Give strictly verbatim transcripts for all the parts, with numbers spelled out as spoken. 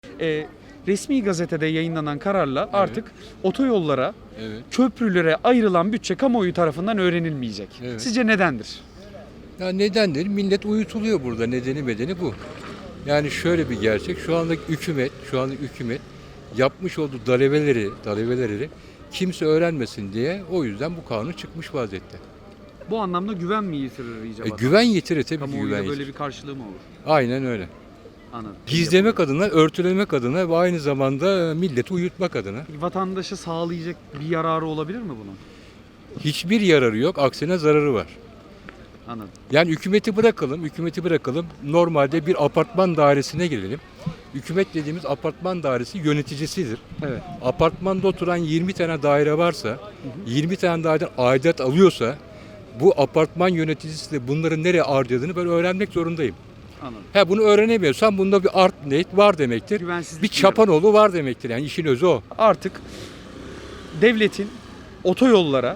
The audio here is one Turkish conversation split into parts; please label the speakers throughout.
Speaker 1: e, resmi gazetede yayınlanan kararla artık otoyollara,
Speaker 2: Evet.
Speaker 1: köprülere ayrılan bütçe kamuoyu tarafından öğrenilmeyecek.
Speaker 2: Evet.
Speaker 1: Sizce nedendir?
Speaker 2: Ya nedendir? Millet uyutuluyor burada. Nedeni bedeni bu. Yani şöyle bir gerçek. Şu andaki hükümet, şu andaki hükümet yapmış olduğu dalaveleri, dalaveleri kimse öğrenmesin diye o yüzden bu kanun çıkmış vaziyette.
Speaker 1: Bu anlamda güven mi yitirir iyice
Speaker 2: E,
Speaker 1: vatan?
Speaker 2: güven yitirir tabii ki
Speaker 1: Kamuoyuyla
Speaker 2: güven
Speaker 1: böyle
Speaker 2: yitirir.
Speaker 1: bir karşılığı mı olur?
Speaker 2: Aynen öyle.
Speaker 1: Anladım.
Speaker 2: Gizlemek adına, örtülemek adına ve aynı zamanda milleti uyutmak adına.
Speaker 1: Peki vatandaşa sağlayacak bir yararı olabilir mi bunun?
Speaker 2: Hiçbir yararı yok, aksine zararı var.
Speaker 1: Anladım.
Speaker 2: Yani hükümeti bırakalım, hükümeti bırakalım. Normalde bir apartman dairesine girelim. Hükümet dediğimiz apartman dairesi yöneticisidir.
Speaker 1: Evet.
Speaker 2: Apartmanda oturan yirmi tane daire varsa, yirmi tane daireden aidat alıyorsa, bu apartman yöneticisi de bunları nereye harcadığını ben öğrenmek zorundayım.
Speaker 1: Anladım.
Speaker 2: Ha bunu öğrenemiyorsam bunda bir art niyet var demektir.
Speaker 1: Güvensizlik
Speaker 2: Bir
Speaker 1: diyelim.
Speaker 2: çapanoğlu var demektir. Yani işin özü o.
Speaker 1: Artık devletin otoyollara,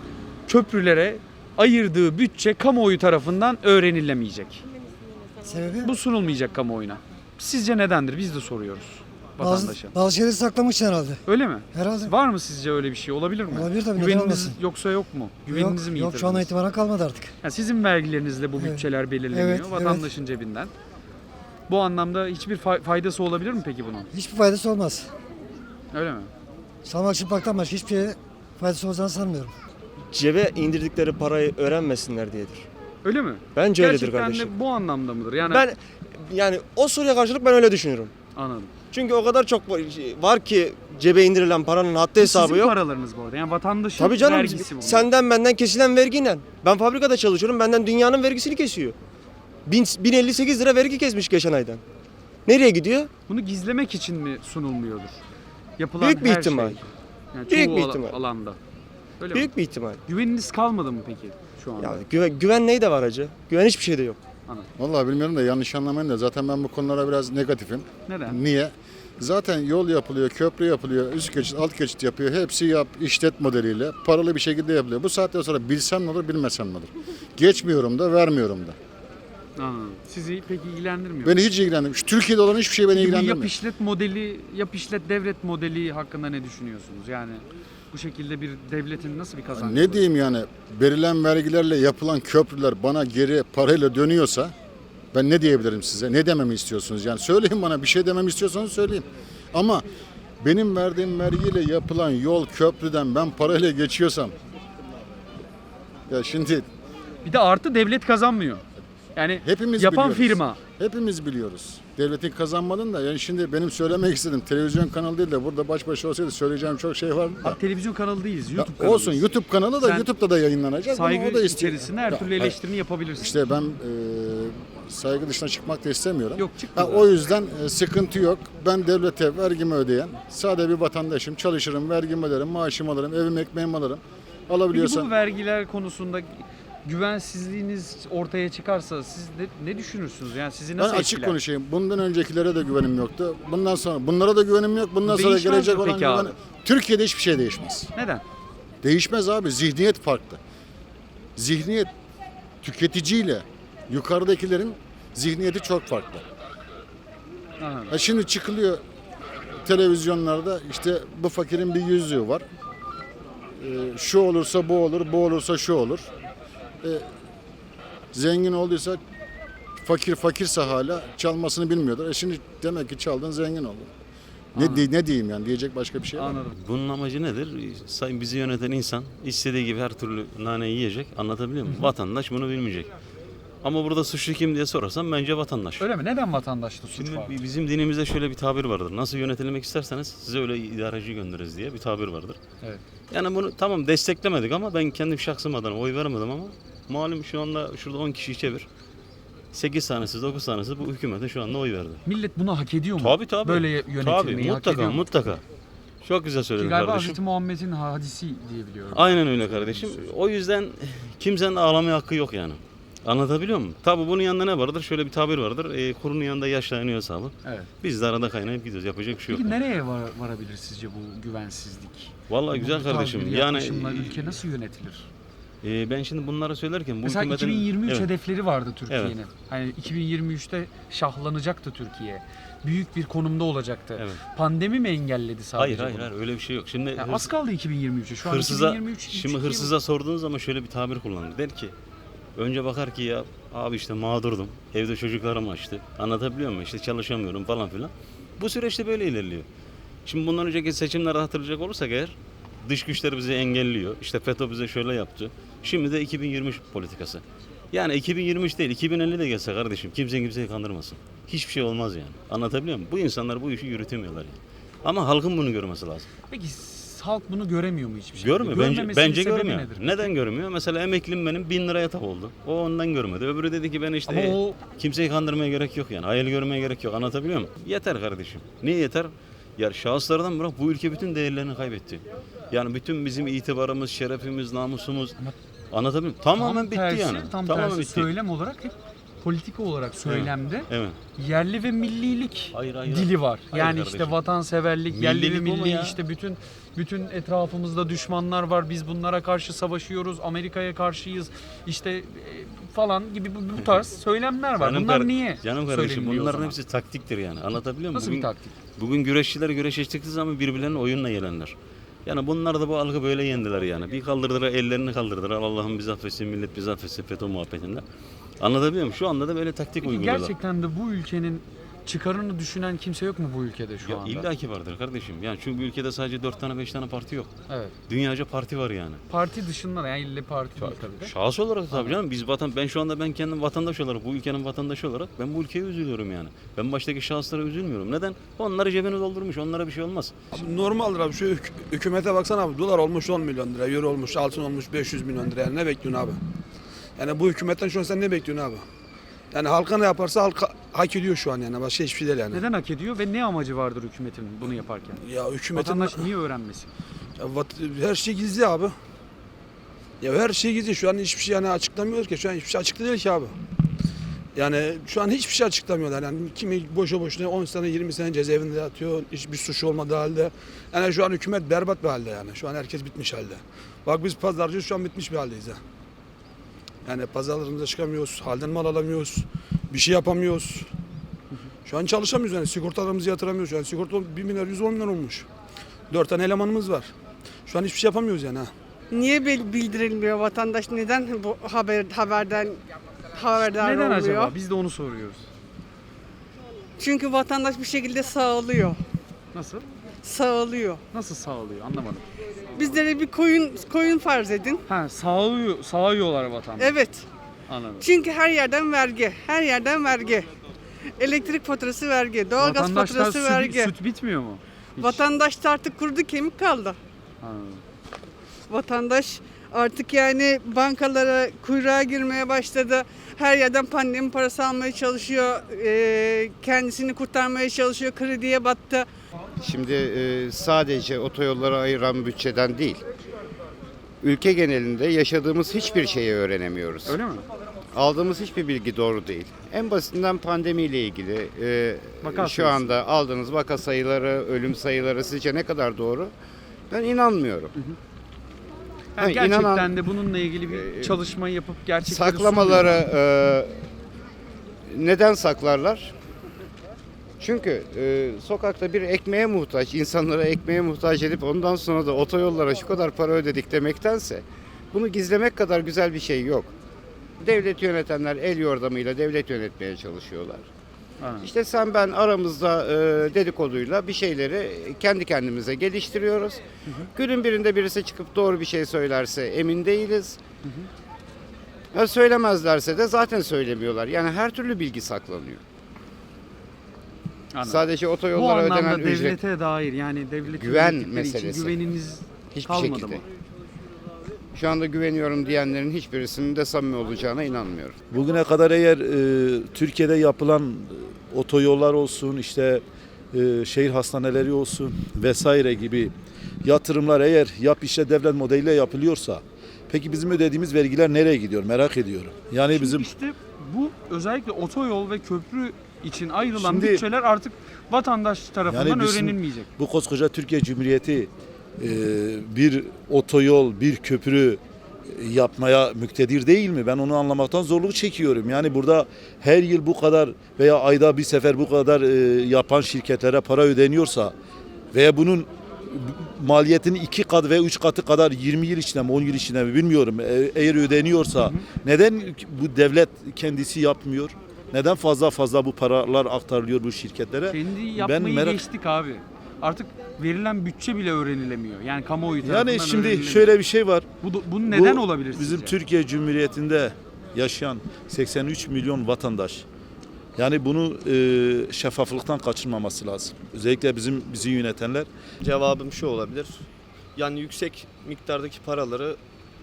Speaker 1: köprülere ayırdığı bütçe kamuoyu tarafından öğrenilemeyecek.
Speaker 3: Sebebi?
Speaker 1: Bu sunulmayacak kamuoyuna. Sizce nedendir? Biz de soruyoruz
Speaker 3: Bazı,
Speaker 1: vatandaşa.
Speaker 3: bazı şeyleri saklamış herhalde.
Speaker 1: Öyle mi?
Speaker 3: Herhalde.
Speaker 1: Var mı sizce öyle bir şey? Olabilir mi?
Speaker 3: Olabilir tabii, neden
Speaker 1: Güveniniz
Speaker 3: olmasın?
Speaker 1: yoksa yok mu? Güveninizi
Speaker 3: Yok,
Speaker 1: mi
Speaker 3: yok şu anda
Speaker 1: yitirdiniz?
Speaker 3: itibaren kalmadı artık.
Speaker 1: Yani sizin vergilerinizle bu
Speaker 3: Evet.
Speaker 1: bütçeler belirleniyor.
Speaker 3: Evet,
Speaker 1: vatandaşın cebinden. Bu anlamda hiçbir fa- faydası olabilir mi peki bunun?
Speaker 3: Hiçbir faydası olmaz.
Speaker 1: Öyle mi?
Speaker 3: Salmak çıplaktan başka hiçbir şeye faydası olacağını sanmıyorum.
Speaker 4: Cebe indirdikleri parayı öğrenmesinler diyedir.
Speaker 1: Öyle mi?
Speaker 4: Bence öyledir
Speaker 1: Gerçekten
Speaker 4: kardeşim.
Speaker 1: de bu anlamda mıdır? Yani
Speaker 4: Ben yani o soruya karşılık ben öyle düşünüyorum.
Speaker 1: anladım.
Speaker 4: Çünkü o kadar çok var ki cebe indirilen paranın haddi hesabı
Speaker 1: Sizin
Speaker 4: yok.
Speaker 1: paralarınız bu arada. Yani vatandaşın
Speaker 4: Tabii canım
Speaker 1: vergisi bu.
Speaker 4: senden benden kesilen vergiyle. Ben fabrikada çalışıyorum, benden dünyanın vergisini kesiyor. bin elli sekiz lira vergi kesmiş geçen aydan. Nereye gidiyor?
Speaker 1: Bunu gizlemek için mi sunulmuyordur? Yapılan
Speaker 4: Büyük bir
Speaker 1: her
Speaker 4: ihtimal.
Speaker 1: Şey. Yani
Speaker 4: Büyük
Speaker 1: çoğu
Speaker 4: bir
Speaker 1: ala-
Speaker 4: ihtimal.
Speaker 1: alanda. Öyle
Speaker 4: Büyük
Speaker 1: mi?
Speaker 4: bir ihtimal.
Speaker 1: Güveniniz kalmadı mı peki şu anda?
Speaker 4: Ya güven, güven neyde var hacı? Güven hiçbir şeyde yok.
Speaker 5: Vallahi bilmiyorum da yanlış anlamayın da zaten ben bu konulara biraz negatifim.
Speaker 1: Neden?
Speaker 5: Niye? Zaten yol yapılıyor, köprü yapılıyor, üst geçit, alt geçit yapıyor. Hepsi yap, işlet modeliyle paralı bir şekilde yapılıyor. Bu saatten sonra bilsem ne olur, bilmesem ne olur. Geçmiyorum da, vermiyorum da.
Speaker 1: Anladım. Sizi peki ilgilendirmiyor.
Speaker 5: Beni hiç ilgilendirmiyor. Şu Türkiye'de olan hiçbir şey beni
Speaker 1: Peki bu
Speaker 5: ilgilendirmiyor.
Speaker 1: yap işlet modeli, yap işlet devlet modeli hakkında ne düşünüyorsunuz? Yani bu şekilde bir devletin nasıl bir kazancı
Speaker 5: Ne
Speaker 1: olur?
Speaker 5: diyeyim yani, verilen vergilerle yapılan köprüler bana geri parayla dönüyorsa ben ne diyebilirim size? Ne dememi istiyorsunuz? Yani söyleyin bana, bir şey dememi istiyorsanız söyleyin. Ama benim verdiğim vergiyle yapılan yol köprüden ben parayla geçiyorsam ya şimdi
Speaker 1: Bir de artı devlet kazanmıyor. Yani
Speaker 5: hepimiz
Speaker 1: yapan
Speaker 5: biliyoruz.
Speaker 1: firma.
Speaker 5: Hepimiz biliyoruz. Devletin kazanmadığını da yani şimdi benim söylemek istedim. Televizyon kanalı değil de burada baş başa olsaydı söyleyeceğim çok şey vardı da.
Speaker 1: Bak, televizyon kanalı değiliz,
Speaker 5: Ya
Speaker 1: YouTube kanalıyız.
Speaker 5: olsun YouTube kanalı da
Speaker 1: Sen
Speaker 5: YouTube'da da yayınlanacak. Ama
Speaker 1: Saygı
Speaker 5: o da istiyor.
Speaker 1: içerisinde her
Speaker 5: Ya,
Speaker 1: türlü
Speaker 5: hayır.
Speaker 1: eleştirini yapabilirsin.
Speaker 5: İşte ben e, saygı dışına çıkmak da istemiyorum.
Speaker 1: Yok, çıkma
Speaker 5: Ha,
Speaker 1: zaten.
Speaker 5: o yüzden e, sıkıntı yok. Ben devlete vergimi ödeyen sade bir vatandaşım. Çalışırım, vergimi öderim, maaşımı alırım, evim ekmeğimi alırım.
Speaker 1: Peki
Speaker 5: Alabiliyorsam
Speaker 1: bu vergiler konusunda güvensizliğiniz ortaya çıkarsa siz ne, ne düşünürsünüz? Yani sizi
Speaker 5: ben
Speaker 1: nasıl
Speaker 5: açık
Speaker 1: etkiler?
Speaker 5: konuşayım. Bundan öncekilere de güvenim yoktu. Bundan sonra bunlara da güvenim yok. Bundan
Speaker 1: Bu
Speaker 5: sonra
Speaker 1: değişmez
Speaker 5: gelecek
Speaker 1: mi
Speaker 5: olan
Speaker 1: peki
Speaker 5: güven.
Speaker 1: abi?
Speaker 5: Türkiye'de hiçbir şey değişmez.
Speaker 1: Neden?
Speaker 5: Değişmez abi. Zihniyet farklı. Zihniyet tüketiciyle yukarıdakilerin zihniyeti çok farklı.
Speaker 1: Anladım.
Speaker 5: Ha şimdi çıkılıyor televizyonlarda işte bu fakirin bir yüzüğü var. Ee, şu olursa bu olur, bu olursa şu olur. Ee, zengin olduysa fakir fakirse hala çalmasını bilmiyordur. E şimdi demek ki çaldın zengin oldun. Ne, di- ne diyeyim yani diyecek başka bir şey var mı?
Speaker 1: Anladım.
Speaker 6: Bunun amacı nedir? Sayın bizi yöneten insan istediği gibi her türlü naneyi yiyecek. Anlatabiliyor muyum? Vatandaş bunu bilmeyecek. Ama burada suçlu kim diye sorarsan bence vatandaş.
Speaker 1: Öyle mi? Neden vatandaşta suç
Speaker 6: Şimdi
Speaker 1: var?
Speaker 6: bi- bizim dinimizde şöyle bir tabir vardır. Nasıl yönetilmek isterseniz size öyle idareci göndeririz diye bir tabir vardır.
Speaker 1: Evet.
Speaker 6: Yani bunu tamam desteklemedik ama ben kendim şahsım adına oy veremedim ama malum şu anda şurada on kişiyi çevir. sekiz tanesi dokuz tanesi bu hükümete şu anda oy verdi.
Speaker 1: Millet bunu hak ediyor mu?
Speaker 6: Tabii tabii.
Speaker 1: Böyle yönetilmeyi
Speaker 6: Tabii,
Speaker 1: hak
Speaker 6: mutlaka
Speaker 1: ediyor mu?
Speaker 6: mutlaka. Çok güzel
Speaker 1: Ki
Speaker 6: söyledin
Speaker 1: galiba
Speaker 6: kardeşim.
Speaker 1: Hazreti Muhammed'in hadisi diye biliyorum.
Speaker 6: Aynen öyle kardeşim. O yüzden kimsenin ağlamaya hakkı yok yani. Anlatabiliyor muyum? Tabii bunun yanında ne vardır? Şöyle bir tabir vardır. E, kurunun yanında yaşlanıyor hesabı.
Speaker 1: Evet.
Speaker 6: Biz de arada kaynayıp gidiyoruz. Yapacak bir şey yok.
Speaker 1: Peki
Speaker 6: yani.
Speaker 1: nereye var, varabilir sizce bu güvensizlik?
Speaker 6: Vallahi güzel
Speaker 1: Bu tarz
Speaker 6: kardeşim.
Speaker 1: bir
Speaker 6: Yani
Speaker 1: yaklaşımla ülke nasıl yönetilir?
Speaker 6: e, ben şimdi bunları söylerken bu
Speaker 1: Mesela
Speaker 6: hükümetin...
Speaker 1: iki bin yirmi üç
Speaker 6: Evet.
Speaker 1: hedefleri vardı Türkiye'nin.
Speaker 6: Evet.
Speaker 1: Hani iki bin yirmi üçte şahlanacaktı Türkiye. büyük bir konumda olacaktı.
Speaker 6: Evet.
Speaker 1: Pandemi mi engelledi sadece
Speaker 6: Hayır hayır
Speaker 1: bunu?
Speaker 6: hayır öyle bir şey yok. Şimdi
Speaker 1: Ya
Speaker 6: hırs-
Speaker 1: az kaldı iki bin yirmi üçe. Şu an
Speaker 6: hırsıza,
Speaker 1: iki bin yirmi üç.
Speaker 6: şimdi
Speaker 1: üç, iki
Speaker 6: hırsıza sorduğun zaman şöyle bir tabir kullanır. Der ki önce bakar ki ya abi işte mağdurdum. Evde çocuklarım açtı. Anlatabiliyor muyum? İşte çalışamıyorum falan filan. Bu süreçte böyle ilerliyor. Şimdi bundan önceki seçimleri hatırlayacak olursak eğer dış güçler bizi engelliyor. İşte FETÖ bize şöyle yaptı. Şimdi de iki bin yirmi üç politikası. Yani iki bin yirmi üç değil iki bin elli de gelse kardeşim kimse kimseyi kandırmasın. Hiçbir şey olmaz yani. Anlatabiliyor muyum? Bu insanlar bu işi yürütemiyorlar yani. Ama halkın bunu görmesi lazım.
Speaker 1: Peki s- halk bunu göremiyor mu hiçbir şey?
Speaker 6: Görmüyor. Bence,
Speaker 1: Görmemesinin
Speaker 6: bence
Speaker 1: sebebi
Speaker 6: görmüyor.
Speaker 1: nedir?
Speaker 6: Neden görmüyor? Mesela emeklim benim bin lira yatak oldu. O ondan görmedi. Öbürü dedi ki ben işte
Speaker 1: Ama o
Speaker 6: kimseyi kandırmaya gerek yok yani. Hayal görmeye gerek yok. Anlatabiliyor muyum? Yeter kardeşim. Niye yeter? Ya şahıslardan bırak bu ülke bütün değerlerini kaybetti. Yani bütün bizim itibarımız, şerefimiz, namusumuz. Anlatabiliyor muyum? Tamamen
Speaker 1: tam
Speaker 6: bitti
Speaker 1: tersi,
Speaker 6: yani.
Speaker 1: Tam
Speaker 6: Tamamen
Speaker 1: tersi
Speaker 6: bitti.
Speaker 1: söylem olarak hep politika olarak söylemde
Speaker 6: Evet.
Speaker 1: yerli ve millilik
Speaker 6: Hayır, hayır.
Speaker 1: dili var.
Speaker 6: Hayır
Speaker 1: yani
Speaker 6: kardeşim.
Speaker 1: işte vatanseverlik, yerli ve
Speaker 6: Millilik bu mu
Speaker 1: milli
Speaker 6: ya?
Speaker 1: işte bütün bütün etrafımızda düşmanlar var. Biz bunlara karşı savaşıyoruz. Amerika'ya karşıyız. İşte e, falan gibi bu, bu tarz söylemler var.
Speaker 6: Canım
Speaker 1: Bunlar
Speaker 6: kar-
Speaker 1: niye?
Speaker 6: Canım kardeşim
Speaker 1: söyleniliyor o
Speaker 6: bunların
Speaker 1: zaman?
Speaker 6: hepsi taktiktir yani. Anlatabiliyor muyum?
Speaker 1: Nasıl
Speaker 6: Bugün,
Speaker 1: bir taktik?
Speaker 6: Bugün güreşçiler güreştikleri zaman birbirlerinin oyunla gelenler. Yani bunlar da bu algı böyle yendiler yani. Bir kaldırdılar, ellerini kaldırdılar. Allah'ım bizi affetsin, millet bizi affetsin FETÖ muhabbetinde. Anlatabiliyor muyum? Şu anda da böyle taktik
Speaker 1: Peki
Speaker 6: uyguluyorlar.
Speaker 1: gerçekten de bu ülkenin çıkarını düşünen kimse yok mu bu ülkede şu
Speaker 6: Ya
Speaker 1: anda?
Speaker 6: illa ki vardır kardeşim. Yani çünkü ülkede sadece dört tane beş tane parti yok.
Speaker 1: Evet.
Speaker 6: Dünyaca parti var yani.
Speaker 1: Parti dışında da yani ille parti değil tabii de.
Speaker 6: Şahıs olarak tabii canım biz vatan ben şu anda ben kendim vatandaş olarak bu ülkenin vatandaşı olarak ben bu ülkeye üzülüyorum yani. Ben baştaki şahıslara üzülmüyorum. Neden? Onları cebini doldurmuş. Onlara bir şey olmaz.
Speaker 7: Şimdi normaldir abi şu hük- hükümete baksana abi dolar olmuş on milyon lira, euro olmuş altın olmuş beş yüz milyon lira yani ne bekliyorsun abi? Yani bu hükümetten şu an sen ne bekliyorsun abi? Yani halka ne yaparsa halka hak ediyor şu an yani başka hiçbir şey değil yani.
Speaker 1: Neden hak ediyor ve ne amacı vardır hükümetin bunu yaparken?
Speaker 7: Ya hükümetin
Speaker 1: Vatandaş niye öğrenmesin?
Speaker 7: ya vat- her şey gizli abi. Ya her şey gizli şu an hiçbir şey yani açıklamıyor ki şu an hiçbir şey açıklı değil ki abi. Yani şu an hiçbir şey açıklamıyorlar yani kimi boşa boşuna on sene yirmi sene cezaevinde yatıyor hiçbir suç olmadığı halde. Yani şu an hükümet berbat bir halde yani şu an herkes bitmiş halde. Bak biz pazarcıyız şu an bitmiş bir haldeyiz ha. Yani pazarlarımıza çıkamıyoruz, halden mal alamıyoruz, bir şey yapamıyoruz. Şu an çalışamıyoruz yani sigortalarımızı yatıramıyoruz. Yani sigorta bir milyar yüz on milyon olmuş. Dört tane elemanımız var. Şu an hiçbir şey yapamıyoruz yani ha.
Speaker 8: Niye bil- bildirilmiyor vatandaş? Neden bu haber haberden haberdar
Speaker 1: Neden
Speaker 8: olmuyor?
Speaker 1: acaba? Biz de onu soruyoruz.
Speaker 8: Çünkü vatandaş bir şekilde sağlıyor.
Speaker 1: Nasıl?
Speaker 8: Sağlıyor.
Speaker 1: Nasıl sağlıyor? Anlamadım.
Speaker 8: Bizlere bir koyun koyun farz edin.
Speaker 1: Ha, sağlıyor, sağıyorlar vatandaş.
Speaker 8: Evet.
Speaker 1: Anladım.
Speaker 8: Çünkü her yerden vergi. Her yerden vergi. Elektrik faturası vergi, doğalgaz
Speaker 1: Vatandaşlar
Speaker 8: faturası
Speaker 1: süt,
Speaker 8: vergi.
Speaker 1: süt bitmiyor mu? Hiç.
Speaker 8: Vatandaş da artık kurdu kemik kaldı.
Speaker 1: Anladım.
Speaker 8: Vatandaş artık yani bankalara kuyruğa girmeye başladı. Her yerden pandemi parası almaya çalışıyor. Ee, kendisini kurtarmaya çalışıyor. Krediye battı.
Speaker 9: Şimdi e, sadece otoyollara ayıran bütçeden değil, ülke genelinde yaşadığımız hiçbir şeyi öğrenemiyoruz.
Speaker 1: Öyle mi?
Speaker 9: Aldığımız hiçbir bilgi doğru değil. En basitinden pandemiyle ilgili e,
Speaker 1: Vaka
Speaker 9: şu
Speaker 1: sayısı.
Speaker 9: anda aldığınız vaka sayıları, ölüm sayıları sizce ne kadar doğru? Ben inanmıyorum.
Speaker 1: Yani
Speaker 9: Ha,
Speaker 1: gerçekten
Speaker 9: inanan-
Speaker 1: de bununla ilgili bir çalışma yapıp gerçekleri
Speaker 9: Saklamaları e, neden saklarlar? Çünkü e, sokakta bir ekmeğe muhtaç, insanlara ekmeğe muhtaç edip ondan sonra da otoyollara şu kadar para ödedik demektense bunu gizlemek kadar güzel bir şey yok. Devlet yönetenler el yordamıyla devlet yönetmeye çalışıyorlar.
Speaker 1: Anladım.
Speaker 9: İşte sen ben aramızda e, dedikoduyla bir şeyleri kendi kendimize geliştiriyoruz. Günün birinde birisi çıkıp doğru bir şey söylerse emin değiliz. Ya söylemezlerse de zaten söylemiyorlar. Yani her türlü bilgi saklanıyor.
Speaker 1: Anladım.
Speaker 9: Sadece
Speaker 1: Bu
Speaker 9: otoyollara ödenen
Speaker 1: anlamda
Speaker 9: ücret
Speaker 1: devlete dair yani devlet
Speaker 9: Güven
Speaker 1: yönettikleri için
Speaker 9: meselesi.
Speaker 1: güveniniz
Speaker 9: hiçbir
Speaker 1: kalmadı
Speaker 9: şekilde.
Speaker 1: mı?
Speaker 9: Şu anda güveniyorum diyenlerin hiçbirisinin de samimi olacağına inanmıyorum.
Speaker 10: Bugüne kadar eğer e, Türkiye'de yapılan e, otoyollar olsun, işte e, şehir hastaneleri olsun vesaire gibi yatırımlar eğer yap işlet devlet modeliyle yapılıyorsa, peki bizim ödediğimiz vergiler nereye gidiyor merak ediyorum. Yani
Speaker 1: Şimdi
Speaker 10: bizim
Speaker 1: işte bu özellikle otoyol ve köprü için ayrılan
Speaker 10: Şimdi-
Speaker 1: bütçeler artık vatandaş tarafından
Speaker 10: Yani bizim-
Speaker 1: öğrenilmeyecek.
Speaker 10: bu koskoca Türkiye Cumhuriyeti e, bir otoyol, bir köprü yapmaya müktedir değil mi? Ben onu anlamaktan zorluk çekiyorum. Yani burada her yıl bu kadar veya ayda bir sefer bu kadar e, yapan şirketlere para ödeniyorsa veya bunun maliyetinin iki kat ve üç katı kadar yirmi yıl içinde mi on yıl içinde mi bilmiyorum. E, eğer ödeniyorsa hı hı. neden bu devlet kendisi yapmıyor? Neden fazla fazla bu paralar aktarılıyor bu şirketlere?
Speaker 1: Kendi yapmayı
Speaker 10: ben merak...
Speaker 1: geçtik abi. Artık verilen bütçe bile öğrenilemiyor. Yani kamuoyu tarafından
Speaker 10: Yani şimdi
Speaker 1: öğrenilemiyor.
Speaker 10: şöyle bir şey var.
Speaker 1: Bu, bu neden
Speaker 10: bu,
Speaker 1: olabilir sizce?
Speaker 10: Bizim Türkiye Cumhuriyeti'nde yaşayan seksen üç milyon vatandaş. Yani bunu e, şeffaflıktan kaçırmaması lazım. Özellikle bizim bizi yönetenler.
Speaker 4: Cevabım şu olabilir. Yani yüksek miktardaki paraları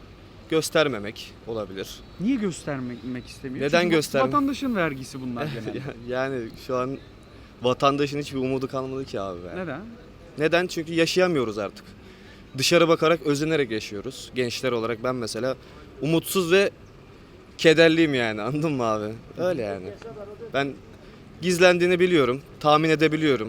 Speaker 4: göstermemek olabilir.
Speaker 1: Niye göstermek istemiyor?
Speaker 4: Neden
Speaker 1: Çünkü
Speaker 4: göstermek?
Speaker 1: Vatandaşın vergisi bunlar genelde.
Speaker 4: Yani şu an vatandaşın hiçbir umudu kalmadı ki abi. Yani.
Speaker 1: Neden?
Speaker 4: Neden? Çünkü yaşayamıyoruz artık. Dışarı bakarak, özenerek yaşıyoruz. Gençler olarak ben mesela umutsuz ve kederliyim yani, anladın mı abi? Öyle yani. Ben gizlendiğini biliyorum, tahmin edebiliyorum.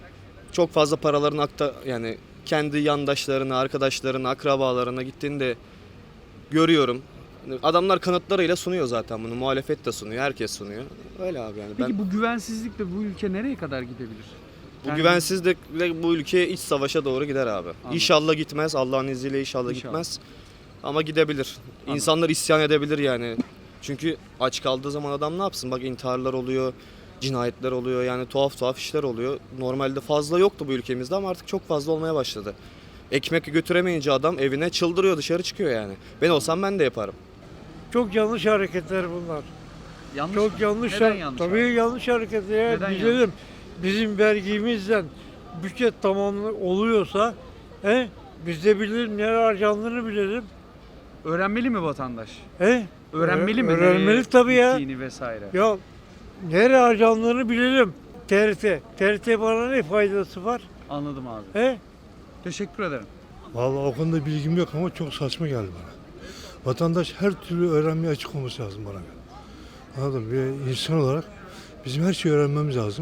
Speaker 4: Çok fazla paraların akta yani kendi yandaşlarına, arkadaşlarına, akrabalarına gittiğini de görüyorum. Adamlar kanıtlarıyla sunuyor zaten bunu. Muhalefet de sunuyor, herkes sunuyor. Öyle abi yani.
Speaker 1: Peki
Speaker 4: ben...
Speaker 1: bu güvensizlikle bu ülke nereye kadar gidebilir?
Speaker 4: Bu
Speaker 1: Yani...
Speaker 4: güvensizlikle bu ülke iç savaşa doğru gider abi.
Speaker 1: Anladım.
Speaker 4: İnşallah gitmez. Allah'ın izniyle inşallah, inşallah. gitmez. Ama gidebilir. Anladım. İnsanlar isyan edebilir yani. Çünkü aç kaldığı zaman adam ne yapsın? Bak intiharlar oluyor, cinayetler oluyor. Yani tuhaf tuhaf işler oluyor. Normalde fazla yoktu bu ülkemizde ama artık çok fazla olmaya başladı. Ekmek götüremeyince adam evine çıldırıyor, dışarı çıkıyor yani. Ben olsam ben de yaparım.
Speaker 11: Çok yanlış hareketler bunlar.
Speaker 1: Yanlış
Speaker 11: Çok
Speaker 1: mı?
Speaker 11: yanlış.
Speaker 1: Neden yanlış?
Speaker 11: Tabii
Speaker 1: abi?
Speaker 11: yanlış hareketler.
Speaker 1: Neden
Speaker 11: Bilelim.
Speaker 1: yanlış?
Speaker 11: Bizim vergimizden bütçe tamamlı oluyorsa he, biz de bilelim, nereye harcandığını bilelim.
Speaker 1: Öğrenmeli mi vatandaş?
Speaker 11: He?
Speaker 1: Öğrenmeli mi?
Speaker 11: Öğrenmeli
Speaker 1: nereye
Speaker 11: tabii ya.
Speaker 1: gittiğini vesaire.
Speaker 11: Ya nereye harcandığını bilelim. T R T. T R T bana ne faydası var?
Speaker 1: Anladım abi.
Speaker 11: He?
Speaker 1: Teşekkür ederim.
Speaker 12: Vallahi o konuda bilgim yok ama çok saçma geldi bana. Vatandaş her türlü öğrenmeye açık olması lazım bana göre. Anladın mı? Bir insan olarak bizim her şeyi öğrenmemiz lazım.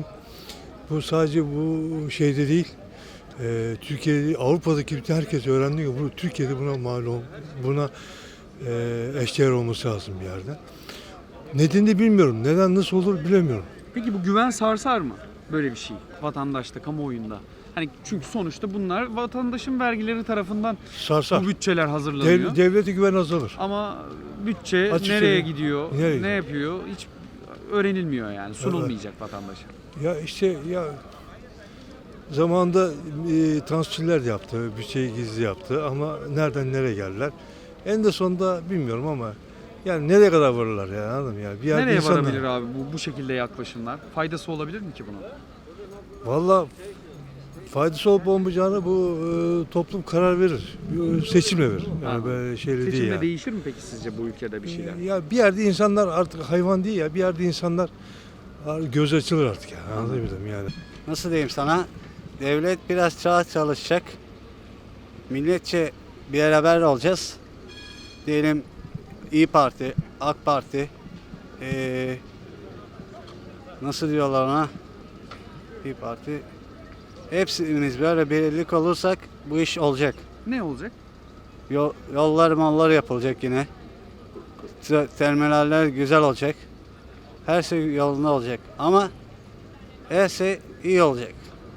Speaker 12: Bu sadece bu şeyde değil. E, Türkiye'de, Avrupa'daki bütün herkes öğrendi ki bu Türkiye'de buna malum, buna e, eşdeğer olması lazım bir yerde. Nedenini de bilmiyorum. Neden, nasıl olur bilemiyorum.
Speaker 1: Peki bu güven sarsar mı? Böyle bir şey vatandaşta, kamuoyunda. Hani çünkü sonuçta bunlar vatandaşın vergileri tarafından
Speaker 12: Sarsar.
Speaker 1: bu bütçeler hazırlanıyor.
Speaker 12: Dev, devlete güven azalır.
Speaker 1: Ama bütçe
Speaker 12: Açık
Speaker 1: nereye
Speaker 12: söyleyeyim.
Speaker 1: gidiyor,
Speaker 12: Nereye
Speaker 1: ne
Speaker 12: gidiyor?
Speaker 1: yapıyor hiç öğrenilmiyor yani. Sunulmayacak evet. vatandaşa.
Speaker 12: Ya işte ya zamanında e, transferler de yaptı, bütçeyi gizli yaptı ama nereden nereye geldiler? En de sonunda bilmiyorum ama yani nereye kadar varırlar ya, anladın mı? Yani bir yerde
Speaker 1: Nereye
Speaker 12: insanlar...
Speaker 1: varabilir abi bu bu şekilde yaklaşımlar? Faydası olabilir mi ki bunun?
Speaker 12: Vallahi faydası olup olmayacağını bu e, toplum karar verir. Bir seçimle verir. Yani
Speaker 1: Anladım.
Speaker 12: böyle şeyle değil
Speaker 1: Seçimle
Speaker 12: yani.
Speaker 1: değişir mi peki sizce bu ülkede bir şeyler?
Speaker 12: Ya bir yerde insanlar artık hayvan değil ya. Bir yerde insanlar göz açılır artık ya. Anlatabildim yani.
Speaker 13: Nasıl diyeyim sana? Devlet biraz çağ çalışacak. Milletçe bir beraber olacağız. Diyelim İyi Parti, AK Parti, ee, nasıl diyorlar ona? İyi Parti. Hepsimiz böyle birlik olursak bu iş olacak.
Speaker 1: Ne olacak?
Speaker 13: Yol, yollar mallar yapılacak yine. Terminaller güzel olacak. Her şey yolunda olacak. Ama her şey iyi olacak.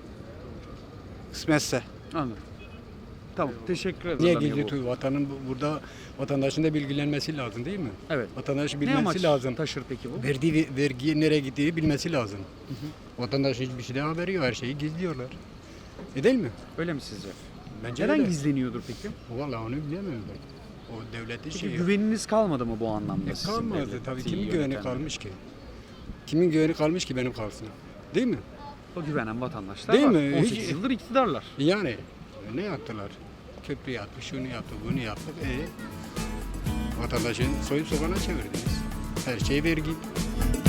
Speaker 13: Kısmetse.
Speaker 1: Anladım. Tamam, teşekkür ederim.
Speaker 14: Niye gizli vatanın burada vatandaşın da bilgilenmesi lazım değil mi?
Speaker 1: Evet.
Speaker 14: Vatandaşın
Speaker 1: Ne
Speaker 14: bilmesi
Speaker 1: amaç
Speaker 14: lazım.
Speaker 1: taşır peki bu?
Speaker 14: Verdiği vergiye nereye gittiğini bilmesi lazım. Hı hı. Vatandaşın hiçbir şeyden haberi yok. Her şeyi gizliyorlar. E değil mi?
Speaker 1: Öyle mi sizce?
Speaker 14: Bence
Speaker 1: Neden
Speaker 14: öyle.
Speaker 1: gizleniyordur peki?
Speaker 14: Vallahi onu bilemiyorum ben. O devletin
Speaker 1: Peki
Speaker 14: şeyi.
Speaker 1: güveniniz kalmadı mı bu anlamda?
Speaker 14: E,
Speaker 1: sizin
Speaker 14: kalmadı
Speaker 1: devleti
Speaker 14: tabii. Kimin güveni
Speaker 1: yönetenlere?
Speaker 14: kalmış ki? Kimin güveni kalmış ki benim kalsın? Değil mi?
Speaker 1: O güvenen vatandaşlar
Speaker 14: Değil
Speaker 1: var.
Speaker 14: mi?
Speaker 1: on sekiz
Speaker 14: Hiç-
Speaker 1: yıldır iktidarlar.
Speaker 14: Yani ne yaptılar? Köprü yaptı, şunu yaptı, bunu yaptı. E vatandaşın soyup sokana çevirdiniz. Her şey vergi.